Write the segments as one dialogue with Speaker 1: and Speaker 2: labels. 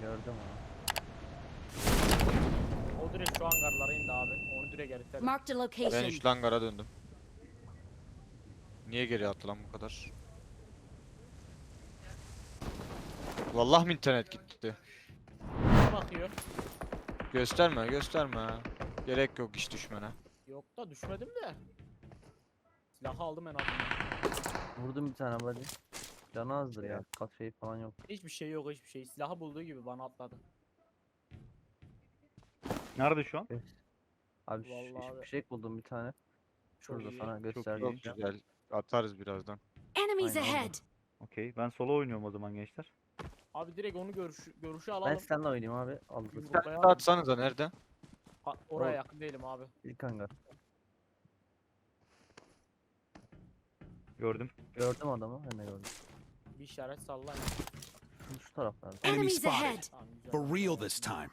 Speaker 1: Gördüm onu.
Speaker 2: O direkt şu hangarlara indi abi. Onu direkt eritelim.
Speaker 3: Marked a
Speaker 4: Ben
Speaker 3: location.
Speaker 4: şu hangara döndüm. Niye geri attı lan bu kadar? Vallahi mi internet gitti?
Speaker 2: Bakıyor.
Speaker 4: Gösterme gösterme. Gerek yok iş düşmene.
Speaker 2: Yok da düşmedim de. Silahı aldım en azından.
Speaker 1: Vurdum bir tane body. Canı azdır ya. Kat şey falan yok.
Speaker 2: Hiçbir şey yok, hiçbir şey. Silahı bulduğu gibi bana atladı.
Speaker 5: Nerede şu an?
Speaker 1: Abi
Speaker 2: Vallahi abi.
Speaker 1: bir şey buldum bir tane.
Speaker 2: Çok
Speaker 1: Şurada
Speaker 2: iyi.
Speaker 1: sana
Speaker 5: iyi.
Speaker 1: göstereceğim.
Speaker 4: Çok güzel. Atarız birazdan.
Speaker 3: Enemies
Speaker 1: Aynen,
Speaker 3: ahead.
Speaker 5: Okey. Ben solo oynuyorum o zaman gençler.
Speaker 2: Abi direkt onu görüşü
Speaker 1: Ben
Speaker 2: alalım.
Speaker 1: seninle oynayayım abi. Alırız.
Speaker 2: Yumruklayalım.
Speaker 4: Sen atsanıza nerede?
Speaker 2: Oraya
Speaker 1: Ol-
Speaker 2: yakın değilim abi.
Speaker 1: İlk hangar.
Speaker 5: Gördüm.
Speaker 1: Gördüm adamı. Ben de gördüm.
Speaker 2: Bir işaret sallayın.
Speaker 1: Şu taraflarda.
Speaker 3: Enemies
Speaker 6: Enemy
Speaker 3: ahead.
Speaker 6: spotted.
Speaker 2: Tamam, güzel.
Speaker 6: For real this time.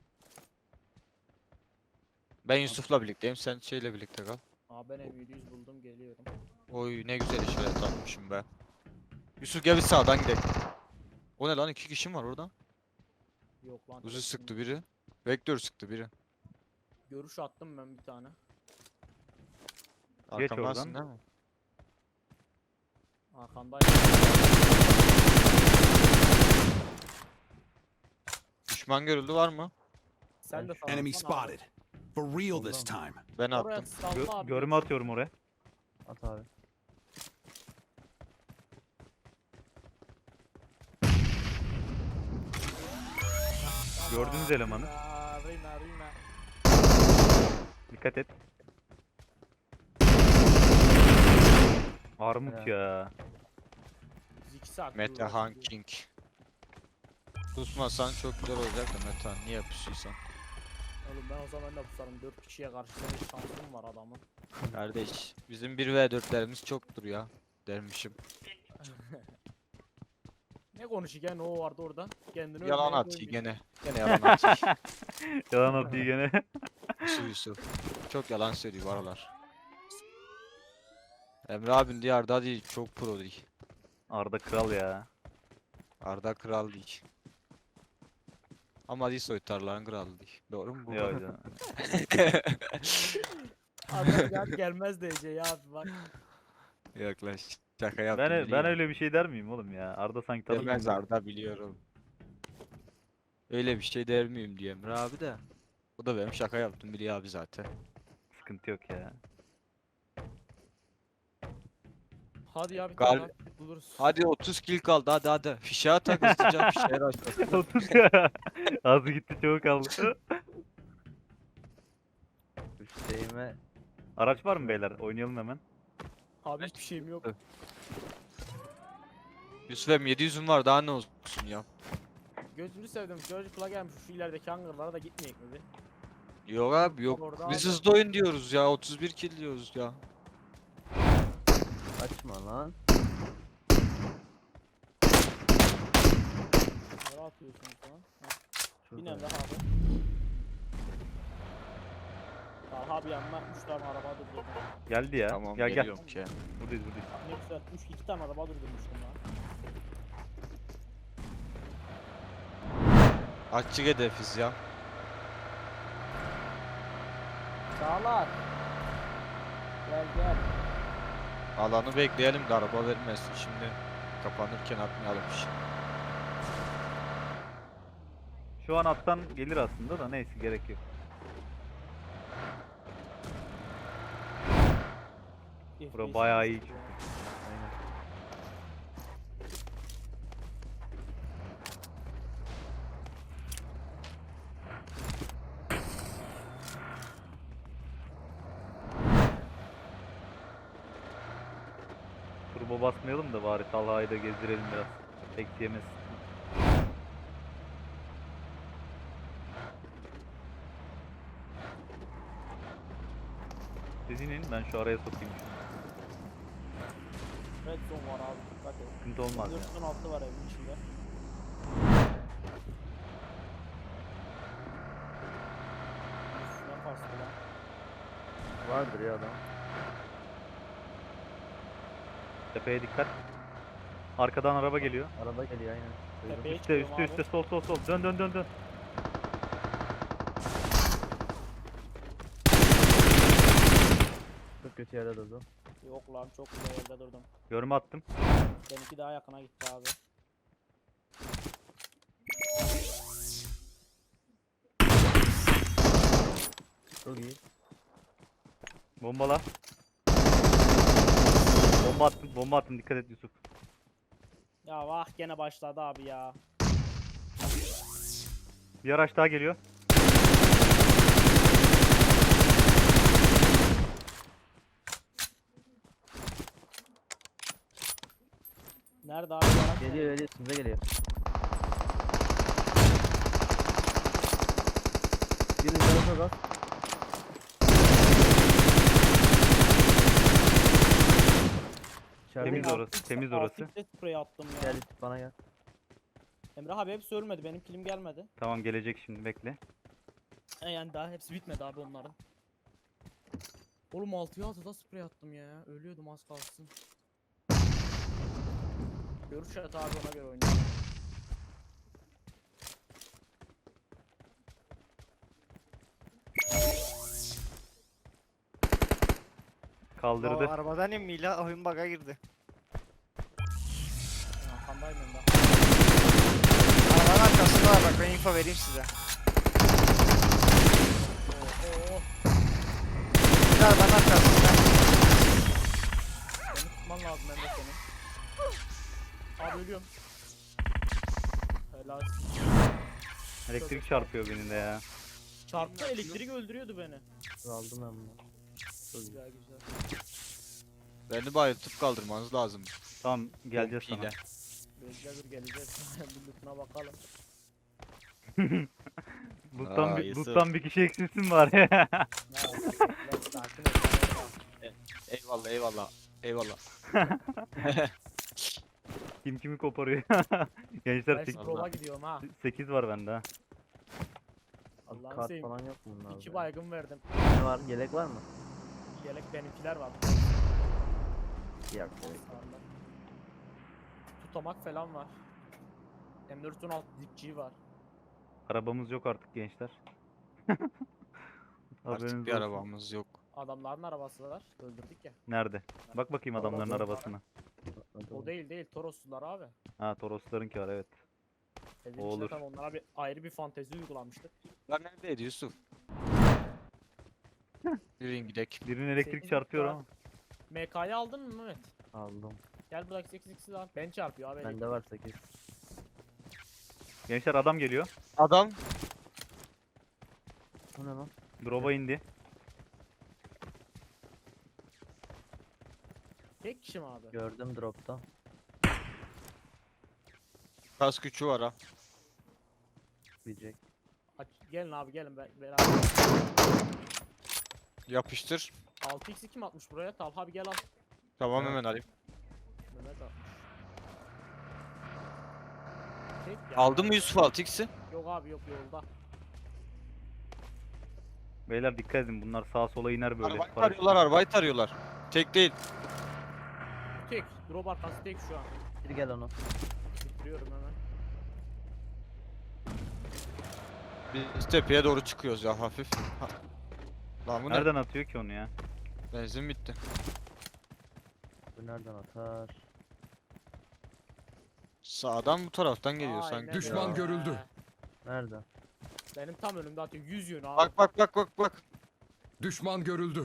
Speaker 4: Ben Yusuf'la birlikteyim. Sen şeyle birlikte kal.
Speaker 2: Aa, ben M700 buldum, geliyorum.
Speaker 4: Oy ne güzel işaret atmışım be. Yusuf gel bir sağdan gidelim. O ne lan, 2 kişi var orada.
Speaker 2: Yok lan.
Speaker 4: Uzi
Speaker 2: tek
Speaker 4: sıktı
Speaker 2: şimdi.
Speaker 4: biri. Vektör sıktı biri.
Speaker 2: Görüş attım ben bir tane.
Speaker 5: Geç
Speaker 4: Arkamdansın
Speaker 5: oradan.
Speaker 4: değil mi?
Speaker 2: Arkandayım.
Speaker 4: Düşman görüldü var mı?
Speaker 2: Sen de
Speaker 6: Enemy
Speaker 2: sallasana abi.
Speaker 6: spotted. For real this time.
Speaker 4: Ben
Speaker 2: Oraya
Speaker 4: attım.
Speaker 2: salla abi.
Speaker 5: Görme atıyorum oraya.
Speaker 1: At abi.
Speaker 5: Gördünüz elemanı.
Speaker 2: Rina.
Speaker 5: Dikkat et. Armut
Speaker 1: Evet.
Speaker 5: ya.
Speaker 2: Biz 2 saat
Speaker 4: Mete
Speaker 2: duruyoruz
Speaker 4: Han
Speaker 2: şimdi.
Speaker 4: King. Pusmasan çok güzel olacak da Mete, niye pusuysan?
Speaker 2: Oğlum ben o zaman da pusarım. 4 kişiye karşı senin şansın var adamın.
Speaker 4: Kardeş bizim 1v4'lerimiz çoktur ya dermişim.
Speaker 2: Ne konuşuyor ne o vardı orada? Kendini
Speaker 4: Yalan
Speaker 2: övmeye
Speaker 4: atıyor
Speaker 2: koymuş.
Speaker 4: gene. Gene yalan atıyor.
Speaker 5: Yalan atıyor gene.
Speaker 4: Yusuf. Çok yalan söylüyor bu aralar. Emre abin diye Arda değil, çok pro değil.
Speaker 5: Arda kral ya.
Speaker 4: Arda kral değil. Ama değil, soytarların kralı değil. Doğru mu bu?
Speaker 5: Yok canım.
Speaker 2: Adam gel gelmez diyeceği ya abi bak.
Speaker 4: Yaklaş. Şaka yaptım.
Speaker 5: Ben
Speaker 4: biliyorum.
Speaker 5: öyle bir şey der miyim oğlum ya? Arda sanki
Speaker 4: Demez
Speaker 5: tanımıyor.
Speaker 4: Arda, biliyorum. Öyle bir şey der miyim diye Emre abi de. Bu da benim şaka yaptım biliyor abi zaten.
Speaker 5: Sıkıntı yok ya.
Speaker 2: Hadi ya bir
Speaker 4: Gal-
Speaker 2: tane daha buluruz.
Speaker 4: Hadi 30 kill kaldı, hadi. Fişeğe tak hızlıca, fişeğe açtı.
Speaker 5: 30 ya. Az gitti çok kaldı.
Speaker 1: Üsteğime
Speaker 5: Araç var mı beyler? Oynayalım hemen.
Speaker 2: Abi hiçbir şeyim yok.
Speaker 4: Yusuf em 700'üm var, daha ne olsun ya.
Speaker 2: Gözünü sevdim. Çocukla gelmiş şu ilerideki hangarlara da gitmeyecek mi bir?
Speaker 4: Yok abi yok.
Speaker 2: Orada
Speaker 4: Biz
Speaker 2: abi.
Speaker 4: hızlı oyun diyoruz ya, 31 kill diyoruz ya.
Speaker 1: açma lan.
Speaker 2: Nereye atıyorsunuz lan? Ha,
Speaker 1: Şurada.
Speaker 2: binen daha abi. Daha abi yanına 3 tane araba durdurdum.
Speaker 5: Geldi ya.
Speaker 4: Tamam
Speaker 5: gel gel.
Speaker 4: geliyorum ki.
Speaker 5: Buradayız buradayız.
Speaker 2: Ne güzel 2 tane araba durdurmuştum lan.
Speaker 4: Açık hedefiz ya.
Speaker 2: Çağlar. Gel.
Speaker 4: Alanı bekleyelim de araba vermesin şimdi. Kapanırken atmayalım şimdi.
Speaker 5: Şu an attan gelir aslında da neyse gerek yok. Bura bayağı iyi çıktı.
Speaker 1: Aynen.
Speaker 5: Turbo basmayalım da bari Talha'yı da gezdirelim biraz. Tek yemez. Siz inin ben şu araya sokayım şunu.
Speaker 2: Red zone var abi dikkat et.
Speaker 5: Sıkıntı olmaz ya.
Speaker 2: 416 var evin içinde. Ne kastı lan?
Speaker 1: Vardır ya adam.
Speaker 5: Tepeye dikkat. Arkadan araba geliyor.
Speaker 1: Araba geliyor aynen.
Speaker 2: Tepeye
Speaker 5: Üste
Speaker 2: çıkıyorum
Speaker 5: üste
Speaker 2: abi.
Speaker 5: üste sol sol sol. Dön dön dön dön.
Speaker 1: Çok kötü yerde durdu.
Speaker 2: Yok lan çok güzel yerde durdum.
Speaker 5: Görme attım.
Speaker 2: Benimki daha yakına gitti abi.
Speaker 1: Çok iyi.
Speaker 5: Bombala. Bomba attım. Bomba attım. Dikkat et Yusuf.
Speaker 2: Ya vah gene başladı abi ya.
Speaker 5: Bir araç daha geliyor.
Speaker 2: Nerede abi? Yarak
Speaker 1: Geliyor geliyor size geliyor. Birini canı çok az. İçeride
Speaker 5: Temiz
Speaker 1: gel.
Speaker 5: orası. Temiz orası.
Speaker 2: Sprey attım ya.
Speaker 1: Gel bana gel.
Speaker 2: Emrah abi hepsi ölmedi. Benim kilim gelmedi.
Speaker 5: Tamam gelecek şimdi bekle.
Speaker 2: Yani daha hepsi bitmedi abi onların. Oğlum 6'ya 6'da sprey attım ya. Ölüyordum az kalsın. Görüş at abi ona göre oynayalım.
Speaker 5: Kaldırdı.
Speaker 3: Arabadan in Mila oyun bug'a girdi.
Speaker 2: Arkandayım Emrah.
Speaker 3: Arabanın arkasında var bak ben info vereyim size.
Speaker 2: Oo.
Speaker 3: Bir arabanın arkasında.
Speaker 2: Beni tutman lazım Emrah senin. Abi ölüyorum. Helal.
Speaker 5: Elektrik çarpıyor beni de ya.
Speaker 2: Çarptı elektrik öldürüyordu beni.
Speaker 1: Aldım ben bunu.
Speaker 2: Güzel güzel.
Speaker 4: Beni bayıltıp kaldırmanız lazım.
Speaker 5: Tamam geleceğiz sana.
Speaker 4: Pompiyle.
Speaker 2: Bekle dur geleceğiz. Bir lootuna bakalım.
Speaker 5: Loot'tan
Speaker 4: Aa,
Speaker 5: bir,
Speaker 4: Yusuf.
Speaker 5: loot'tan bir kişi eksilsin var ya.
Speaker 2: Ya, sakin ol.
Speaker 4: Eyvallah eyvallah. Eyvallah.
Speaker 5: Kim kimi koparıyor. Gençler
Speaker 2: Ben scroll'a gidiyorum ha.
Speaker 5: 8 var bende ha.
Speaker 2: Allah'ını
Speaker 1: Kart
Speaker 2: seveyim.
Speaker 1: falan yok mu bunlarda?
Speaker 2: 2 baygın verdim.
Speaker 1: Ne var? Yelek var mı?
Speaker 2: Yelek benimkiler var.
Speaker 1: Yok.
Speaker 2: Sağında. Tutamak falan var. M416 dipçiği var.
Speaker 5: Arabamız yok artık gençler. Haberiniz
Speaker 4: Artık bir
Speaker 5: olsun.
Speaker 4: arabamız yok.
Speaker 2: Adamların arabası var. Öldürdük ya.
Speaker 5: Nerede? Bak bakayım adamların arabasına.
Speaker 2: O değil Toroslular abi.
Speaker 5: Ha Toroslarınki var evet.
Speaker 2: Evin
Speaker 5: O
Speaker 2: içinde
Speaker 5: olur.
Speaker 2: tam onlara bir ayrı bir fantezi uygulamıştık.
Speaker 4: Lan neredeydi Yusuf? Yürüyün gidek.
Speaker 5: Birinin elektrik
Speaker 2: Sekiz
Speaker 5: çarpıyor
Speaker 2: var.
Speaker 5: ama.
Speaker 2: MK'yı aldın mı Mehmet?
Speaker 1: Aldım.
Speaker 2: Gel buradaki 8x'i al. Ben çarpıyor abi.
Speaker 1: Bende var 8.
Speaker 5: Gençler adam geliyor.
Speaker 4: Adam.
Speaker 1: Bu ne lan?
Speaker 5: Drop'a indi.
Speaker 2: Tek kişi mi abi?
Speaker 1: Gördüm dropta.
Speaker 4: Kas gücü var ha.
Speaker 1: Diyecek.
Speaker 2: Gelin abi gelin beraber.
Speaker 4: Yapıştır.
Speaker 2: 6x'i kim atmış buraya? Talha abi gel al.
Speaker 4: Tamam hemen alayım.
Speaker 2: Mehmet atmış. Tek ya.
Speaker 4: Aldın mı Yusuf 6x'i?
Speaker 2: Yok abi yok yolda.
Speaker 5: Beyler dikkat edin bunlar sağa sola iner böyle.
Speaker 4: Arabayı
Speaker 5: paraşütle.
Speaker 4: tarıyorlar, arabayı tarıyorlar. Tek değil.
Speaker 2: Tek. Drop arkası tek şu an.
Speaker 1: Bir gel onu.
Speaker 2: Bitiriyorum hemen.
Speaker 4: Biz tepeye doğru çıkıyoruz ya hafif. Lan bu ne?
Speaker 5: Nereden atıyor ki onu ya?
Speaker 4: Benzin bitti.
Speaker 1: Bu nereden atar?
Speaker 4: Sağdan bu taraftan geliyor
Speaker 2: Aynen
Speaker 4: sanki.
Speaker 7: Düşman
Speaker 4: ya.
Speaker 7: görüldü.
Speaker 1: Nerede?
Speaker 2: Benim tam önümde atıyor 100 yönü abi.
Speaker 4: Bak bak bak bak bak.
Speaker 7: Düşman görüldü.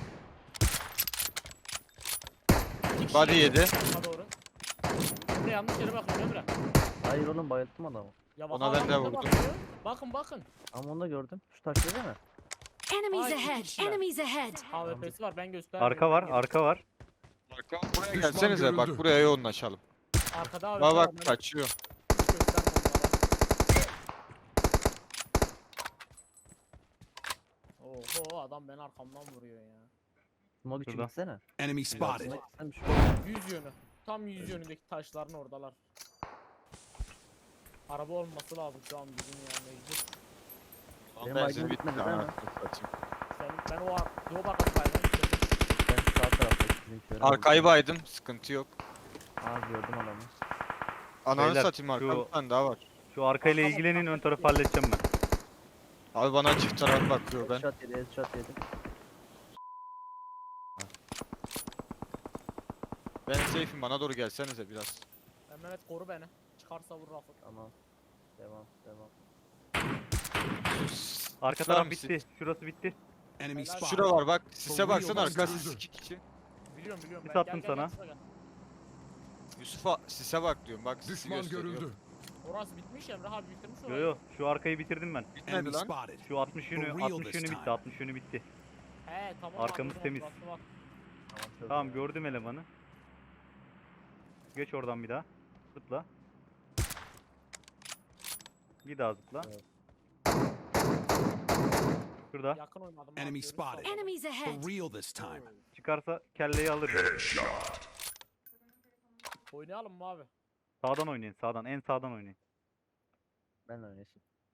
Speaker 2: İki kişi
Speaker 4: Body
Speaker 2: geliyor
Speaker 4: yedi.
Speaker 2: sağa doğru. Emre yanlış yere bakıyorum Emre.
Speaker 1: Hayır oğlum bayılttım adamı.
Speaker 2: Ya
Speaker 4: Ona
Speaker 2: bak,
Speaker 4: ben de
Speaker 2: adam
Speaker 4: vurdum.
Speaker 2: bakıyor. Bakın bakın.
Speaker 1: Ama onu da gördüm. Şu taşlı değil mi?
Speaker 8: Enemies
Speaker 2: Ay, iki
Speaker 8: ahead!
Speaker 2: kişiler.
Speaker 8: Enemies ahead!
Speaker 2: AWP'si var ben göstermiyorum.
Speaker 5: Arka var,
Speaker 2: Ben
Speaker 5: arka var.
Speaker 4: Arka buraya
Speaker 7: Düşman
Speaker 4: gelsenize bak
Speaker 7: görüldü.
Speaker 4: buraya yoğunlaşalım.
Speaker 2: Arkada AWP
Speaker 4: Bak
Speaker 2: var.
Speaker 4: bak
Speaker 2: ben
Speaker 4: kaçıyor.
Speaker 2: hiç göstermem onlara. Oho adam beni arkamdan vuruyor ya.
Speaker 1: Smoke için
Speaker 5: Şurada.
Speaker 1: gitsene.
Speaker 6: Enemy spotted.
Speaker 1: Smoke gitsene şu.
Speaker 2: 100 yönü. Tam 100 yönündeki taşların oradalar. Araba olması lazım şu an bizim ya mecbur.
Speaker 1: Benim
Speaker 4: Benzin
Speaker 1: baygın
Speaker 4: bitti.
Speaker 1: bitmedi değil mi?
Speaker 4: anasını satayım.
Speaker 2: Ben o drop arkasındaydım.
Speaker 1: Ben sağ taraftaki bizimkileri
Speaker 4: Arkayı baydım sıkıntı yok.
Speaker 1: Aa gördüm adamı.
Speaker 4: Ananı
Speaker 5: Beyler,
Speaker 4: satayım arkamda
Speaker 5: şu-
Speaker 4: bir tane daha var.
Speaker 5: Şu arkayla ilgilenin, ön tarafı halledeceğim ben.
Speaker 4: Abi bana çift taraf bakıyor ben.
Speaker 1: Headshot yedi, headshot yedi.
Speaker 4: Ben safe'im, bana doğru gelsenize biraz.
Speaker 2: Mehmet koru beni. Çıkarsa vur Rafık.
Speaker 1: Tamam. Devam, devam.
Speaker 5: Arka
Speaker 4: Tutar
Speaker 5: taraf
Speaker 4: mısın?
Speaker 5: bitti. Şurası bitti.
Speaker 6: Enemy
Speaker 2: Helal.
Speaker 6: spotted.
Speaker 4: Şura var bak, sise
Speaker 6: For
Speaker 4: baksana
Speaker 6: real,
Speaker 4: arkası
Speaker 6: this time.
Speaker 4: 2 kişi.
Speaker 2: Biliyorum biliyorum
Speaker 5: Sis
Speaker 2: ben.
Speaker 5: attım
Speaker 2: Gel,
Speaker 5: sana.
Speaker 2: şuraya gel.
Speaker 4: Yusuf'a sise bak diyorum bak sisi
Speaker 7: Düşman
Speaker 4: gösteriyor.
Speaker 7: görüldü.
Speaker 2: Orası bitmiş Emre abi bitirmiş
Speaker 5: Yo
Speaker 2: orayı.
Speaker 5: yo, şu arkayı bitirdim ben.
Speaker 4: Bitmedi
Speaker 6: Enemy
Speaker 4: lan.
Speaker 6: spotted.
Speaker 5: Şu 60 yönü,
Speaker 6: For real
Speaker 5: 60
Speaker 6: this
Speaker 5: yönü
Speaker 6: time.
Speaker 5: bitti, 60 yönü bitti.
Speaker 2: He tamam.
Speaker 5: Arkamız
Speaker 2: abi, o zaman
Speaker 5: temiz.
Speaker 2: burası var.
Speaker 1: Tamam, çözdüm
Speaker 5: Tamam
Speaker 1: ya.
Speaker 5: gördüm elemanı. Geç oradan bir daha. Zıpla. Bir daha zıpla.
Speaker 1: Evet.
Speaker 5: Şurada.
Speaker 2: Yakın oynadım. abi,
Speaker 6: Enemy
Speaker 2: görüş
Speaker 6: spotted.
Speaker 2: sağladım.
Speaker 8: Enemies ahead.
Speaker 6: For real this time.
Speaker 5: Çıkarsa kelleyi alır.
Speaker 2: Oynayalım mı abi?
Speaker 5: Sağdan oynayın, sağdan. En sağdan oynayın.
Speaker 1: Ben oynayayım.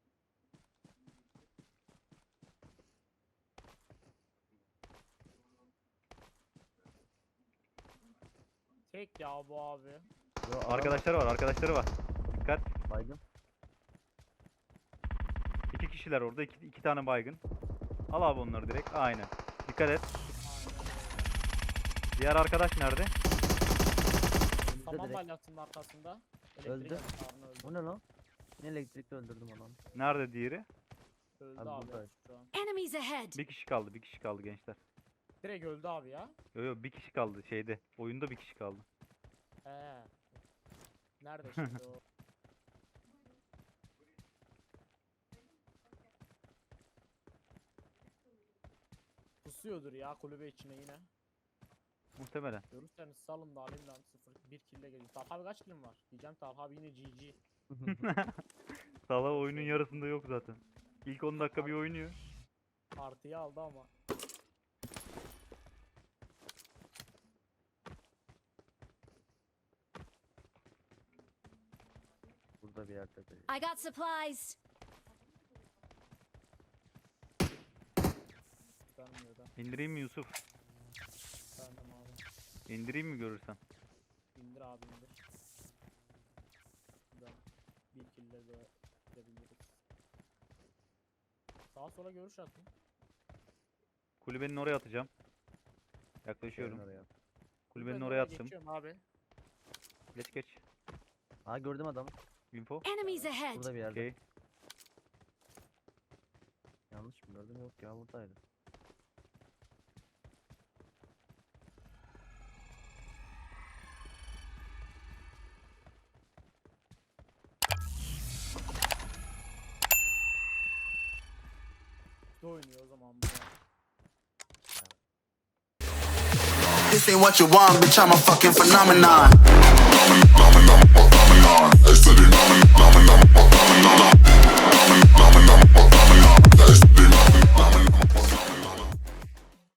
Speaker 2: Tek ya bu abi.
Speaker 1: Yo, adam
Speaker 5: Arkadaşları var, arkadaşları var. Dikkat.
Speaker 1: baygın.
Speaker 5: 2 kişiler orada, iki tane baygın. Al abi onları direkt. Aynen. Dikkat et. Diğer arkadaş nerede?
Speaker 1: Önümüzde
Speaker 2: Tamam
Speaker 1: direkt.
Speaker 2: balyasının arkasında.
Speaker 1: Öldü.
Speaker 2: Elektrik öldü.
Speaker 1: Bu ne lan? Ne elektrikle öldürdüm adamı.
Speaker 5: Nerede diğeri?
Speaker 2: Öldü
Speaker 1: Abi
Speaker 2: abi.
Speaker 1: buradaydı.
Speaker 2: Şu an.
Speaker 8: Enemies ahead.
Speaker 5: Bir kişi kaldı, bir kişi kaldı gençler.
Speaker 2: Direkt öldü abi ya.
Speaker 5: Yo yo, bir kişi kaldı şeyde. Oyunda bir kişi kaldı.
Speaker 2: He. Nerede şimdi o? Pusuyordur ya kulübe içine yine.
Speaker 5: Muhtemelen.
Speaker 2: Görürseniz salın da alayım lan 0-1 kille geliyor. Talha abi kaç killim var? Diyeceğim Talha abi yine GG.
Speaker 5: Sala oyunun yarısında yok zaten. İlk 10 dakika bir oynuyor.
Speaker 2: Artıyı aldı ama.
Speaker 1: Burada bir yerde de.
Speaker 8: I got supplies.
Speaker 2: Vermiyor da.
Speaker 5: İndireyim mi Yusuf?
Speaker 2: Vermem abi.
Speaker 5: İndireyim mi görürsen?
Speaker 2: İndir abi indir. Şuradan bir kille de gidebiliriz. Sağa sola görüş atın.
Speaker 5: Kulübenin oraya atacağım. Yaklaşıyorum.
Speaker 1: Oraya.
Speaker 5: Kulübenin
Speaker 2: Ben
Speaker 5: oraya
Speaker 2: oraya
Speaker 5: attım.
Speaker 2: Geçiyorum abi.
Speaker 5: Geç geç.
Speaker 1: Aa gördüm adamı.
Speaker 5: Info.
Speaker 8: Enemies ahead.
Speaker 1: Burada bir yerde.
Speaker 5: Okey.
Speaker 1: Yanlış mı gördüm? Yok ya buradaydı.
Speaker 2: Ne oynuyor o zaman bu?
Speaker 9: This ain't what you want, bitch, I'm a fucking phenomenon.